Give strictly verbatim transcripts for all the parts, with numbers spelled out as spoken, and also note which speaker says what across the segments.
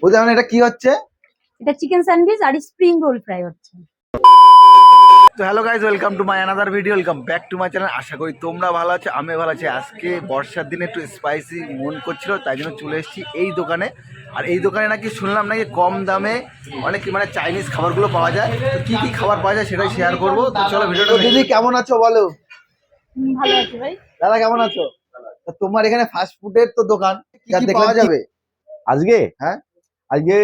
Speaker 1: বুঝলেন এটা কি হচ্ছে?
Speaker 2: এটা চিকেন স্যান্ডউইচ আর স্প্রিং রোল ফ্রাই হচ্ছে।
Speaker 1: তো hello guys, welcome to my another video, welcome back to my channel. আশা করি তোমরা ভালো আছো, আমি ভালো আছি। আজকে বর্ষার দিনে একটু স্পাইসি মন করছিল, তাই জন্য চলে এসেছি এই দোকানে। আর এই দোকানে নাকি শুনলাম নাকি কম দামে অনেক মানে চাইনিজ খাবারগুলো পাওয়া যায়। তো কী কী খাবার পাওয়া যায় সেটাই শেয়ার করবো। তো চলো ভিডিওটা। দিদি কেমন আছো বলো?
Speaker 2: হুম, ভালো আছি ভাই।
Speaker 1: দাদা কেমন আছো? তা তোমার এখানে ফাস্ট ফুডের তো দোকান, কি কি পাওয়া যাবে
Speaker 3: আজকে?
Speaker 1: হ্যাঁ
Speaker 3: আজকে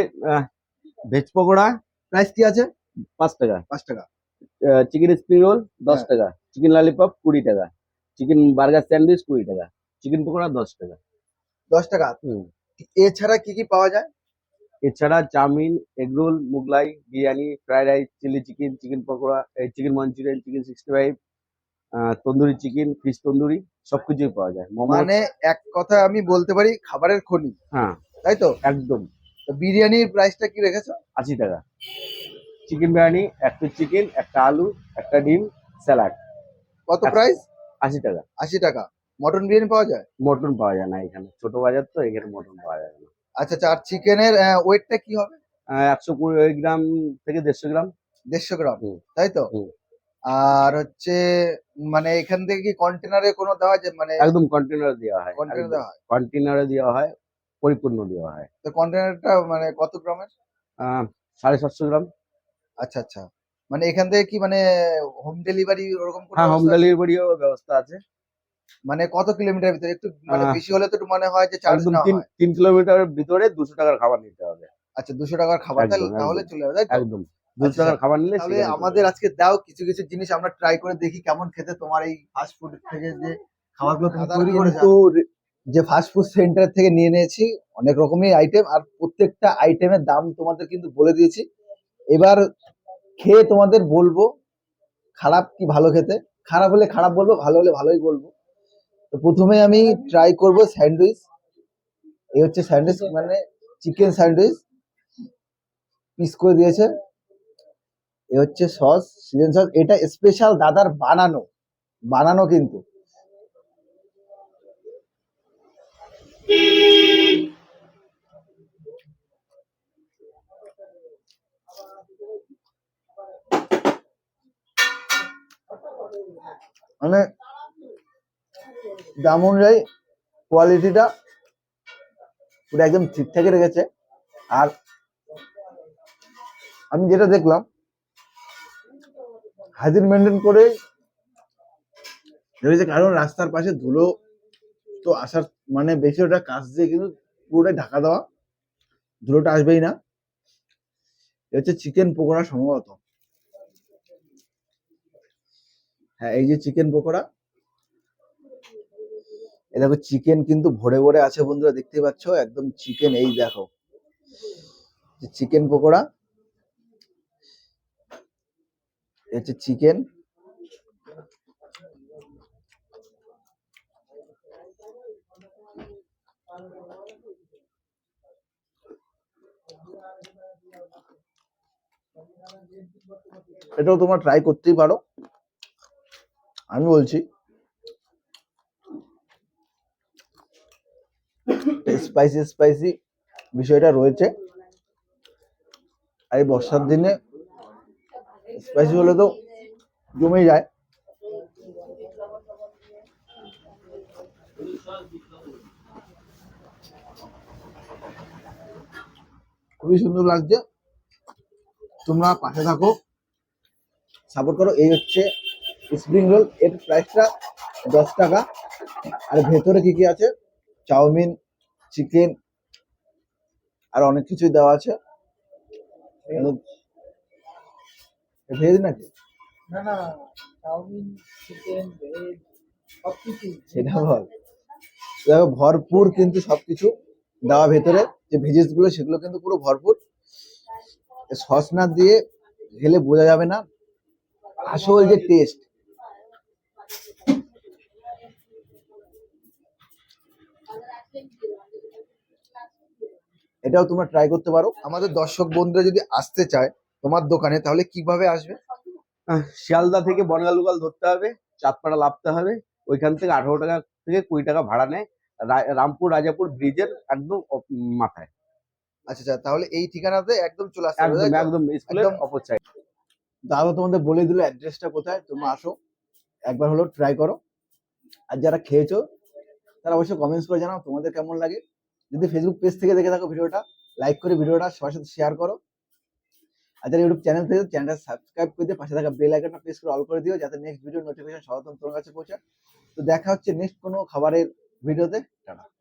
Speaker 3: ভেজ পকোড়া
Speaker 1: প্রাইস কি আছে?
Speaker 3: পাঁচ টাকা,
Speaker 1: পাঁচ টাকা।
Speaker 3: চিকেন স্প্রিং রোল দশ
Speaker 1: হ্যাঁ।
Speaker 3: টাকা, চিকেন ললিপপ কুড়ি টাকা, চিকেন বার্গার স্যান্ডউইচ কুড়ি টাকা, চিকেন পকোড়া দশ টাকা।
Speaker 1: দশ টাকা।
Speaker 3: হুম।
Speaker 1: এছাড়া কি কি পাওয়া যায়?
Speaker 3: এছাড়া chowmein, egg roll, Mughlai, biryani, fried rice, chilli chicken, chicken pakora, chicken Manchurian, chicken sixty five, tandoori chicken, fish tandoori সবকিছুই পাওয়া যায়। মোমো,
Speaker 1: মানে এক কথা আমি বলতে পারি খাবারের খনি,
Speaker 3: হ্যাঁ
Speaker 1: তাই তো?
Speaker 3: একদম।
Speaker 1: তো বিরিয়ানির প্রাইসটা কি রেখেছো?
Speaker 3: আশি টাকা। চিকেন বিরিয়ানি, একটা চিকেন, একটা আলু, একটা ডিম, স্যালাড।
Speaker 1: কত প্রাইস?
Speaker 3: আশি টাকা।
Speaker 1: আশি টাকা। মটন বিরিয়ানি পাওয়া যায়?
Speaker 3: মটন পাওয়া যায় না এখানে, ছোট বাজার তো, এখানে মটন পাওয়া যায় না।
Speaker 1: আচ্ছা আচ্ছা। আর চিকেনের ওয়েটটা কি হবে?
Speaker 3: একশো কুড়ি গ্রাম থেকে দেড়শো গ্রাম।
Speaker 1: দেড়শো গ্রাম,
Speaker 3: হুম,
Speaker 1: তাই তো?
Speaker 3: হুম।
Speaker 1: আর হচ্ছে মানে এখান থেকে কি কন্টেনারে কোনো দেওয়া যায়? মানে
Speaker 3: একদম কন্টেনার দেওয়া হয়,
Speaker 1: কন্টেনার দেওয়া হয়?
Speaker 3: কন্টেনারে দেওয়া হয়, পরিপূর্ণ দেওয়া হয়।
Speaker 1: তো কন্টেনারটা মানে কত গ্রামের?
Speaker 3: আহ, সাড়ে সাতশো গ্রাম।
Speaker 1: আচ্ছা আচ্ছা। মানে এখান থেকে কি মানে হোম ডেলিভারি ওরকম কোনো
Speaker 3: হ্যাঁ, হোম
Speaker 1: ব্যবস্থা আছে?
Speaker 3: ডেলিভারিও ব্যবস্থা আছে।
Speaker 1: মানে কত কিলোমিটার ভিতরে? একটু মানে
Speaker 3: আহ,
Speaker 1: বেশি হলে তো একটু মনে হয় যে চার্জ
Speaker 3: একদম
Speaker 1: নেওয়া
Speaker 3: তিন
Speaker 1: হয়।
Speaker 3: তিন কিলোমিটারের ভিতরে দুশো টাকার খাবার নিতে হবে।
Speaker 1: আচ্ছা, দুশো টাকার খাবার তাহলে
Speaker 3: একদম
Speaker 1: তাহলে
Speaker 3: একদম
Speaker 1: চলে যাবে, তাই তো?
Speaker 3: একদম দুশো
Speaker 1: আচ্ছা
Speaker 3: টাকার খাবার নিলে
Speaker 1: তাহলে
Speaker 3: সেখানে চলে
Speaker 1: আমাদের
Speaker 3: যাবে।
Speaker 1: আজকে দাও কিছু কিছু জিনিস আমরা ট্রাই করে দেখি কেমন খেতে তোমার এই ফাস্ট ফুড থেকে যে খাবারগুলো তুমি তৈরি করেছো। যে ফাস্ট ফুড সেন্টার থেকে নিয়ে নিয়েছি অনেক রকমই আইটেম, আর প্রত্যেকটা আইটেমের দাম তোমাদের কিন্তু বলে দিয়েছি। এবার খেয়ে তোমাদের বলবো খারাপ কি ভালো খেতে। খারাপ হলে খারাপ বলবো, ভালো হলে ভালোই বলবো। তো প্রথমে আমি ট্রাই করব স্যান্ডউইচ। এই হচ্ছে স্যান্ডউইচ, মানে চিকেন স্যান্ডউইচ পিস করে দিয়েছে। এ হচ্ছে সস, সিজন সস। এটা স্পেশাল দাদার বানানো, বানানো কিন্তু। মানে দাম অনুযায়ী কোয়ালিটিটা পুরো একদম ঠিকঠাকই রেখেছে। আর আমি যেটা দেখলাম হাইজিন মেনটেন করে রয়েছে, কারণ রাস্তার পাশে ধুলো তো আসার মানে বেশি, ওটা কাঁচ দিয়ে কিন্তু পুরোটাই ঢাকা দেওয়া, ধুলোটা আসবেই না। এ হচ্ছে চিকেন পকোড়া সম্ভবত। হ্যাঁ, এই যে চিকেন পকোড়া, এই দেখো চিকেন কিন্তু ভরে ভরে আছে বন্ধুরা, দেখতে পাচ্ছ একদম চিকেন। এই দেখো চিকেন পকোড়া, এই হচ্ছে চিকেন। এটাও তোমরা ট্রাই করতেই পারো, আমি বলছি। স্পাইসি স্পাইসি বিষয়টা রয়েছে, আর এই বর্ষার দিনে স্পাইসি হলে তো জমে যায়। খুবই সুন্দর লাগছে। তোমরা পাশে থাকো, সাপোর্ট করো। এই হচ্ছে স্প্রিং রোল, এর প্রাইসটা দশ টাকা। আর ভেতরে কি কি আছে? চাউমিন, চিকেন, আর অনেক কিছুই দেওয়া আছে। ভেজ নাকি? না না, চাউমিন, চিকেন, ভেজ সবকিছু সেটা বল। দেখো ভরপুর কিন্তু সবকিছু দেওয়া ভেতরে, যে ভেজেস গুলো সেগুলো কিন্তু পুরো ভরপুর। সস না দিয়ে খেলে বোঝা যাবে না আসল যে টেস্ট। এটাও তোমরা ট্রাই করতে পারো। আমাদের দর্শক বন্ধুরা যদি আসতে চায় তোমার দোকানে, তাহলে কিভাবে আসবে?
Speaker 3: আহ, শিয়ালদা থেকে বনগা লোকাল ধরতে হবে, চাঁদপাড়া লাফতে হবে। ওইখান থেকে আঠারো টাকা থেকে কুড়ি টাকা ভাড়া নেয়, রা- রামপুর রাজাপুর ব্রিজের একদম অপ- মাথায়।
Speaker 1: আচ্ছা আচ্ছা, তাহলে এই ঠিকানাতে একদম চলে আসতে হবে,
Speaker 3: একদম
Speaker 1: তাই তো?
Speaker 3: একদম স্কুলের
Speaker 1: একদম।
Speaker 3: অপর সাইড।
Speaker 1: দাদা তোমাদের বলে দিল অ্যাড্রেসটা কোথায়, তোমরা আসো একবার হলো ট্রাই করো। আর যারা খেয়েছো তারা অবশ্যই কমেন্টস করে জানাও তোমাদের কেমন লাগে। যদি ফেসবুক পেজ থেকে দেখে থাকো ভিডিওটা, লাইক করে ভিডিওটা সবার সাথে শেয়ার করো। আর যারা ইউটিউব চ্যানেল থেকে চ্যানেলটা সাবস্ক্রাইব করে দিয়ে পাশে থাকা বেল আইকনটা প্রেস করে অল করে দিও, যাতে নেক্সট ভিডিও নোটিফিকেশন সর্বপ্রথম তোমার কাছে পৌঁছায়। তো দেখা হচ্ছে নেক্সট কোনো খাবারের ভিডিওতে। টাটা।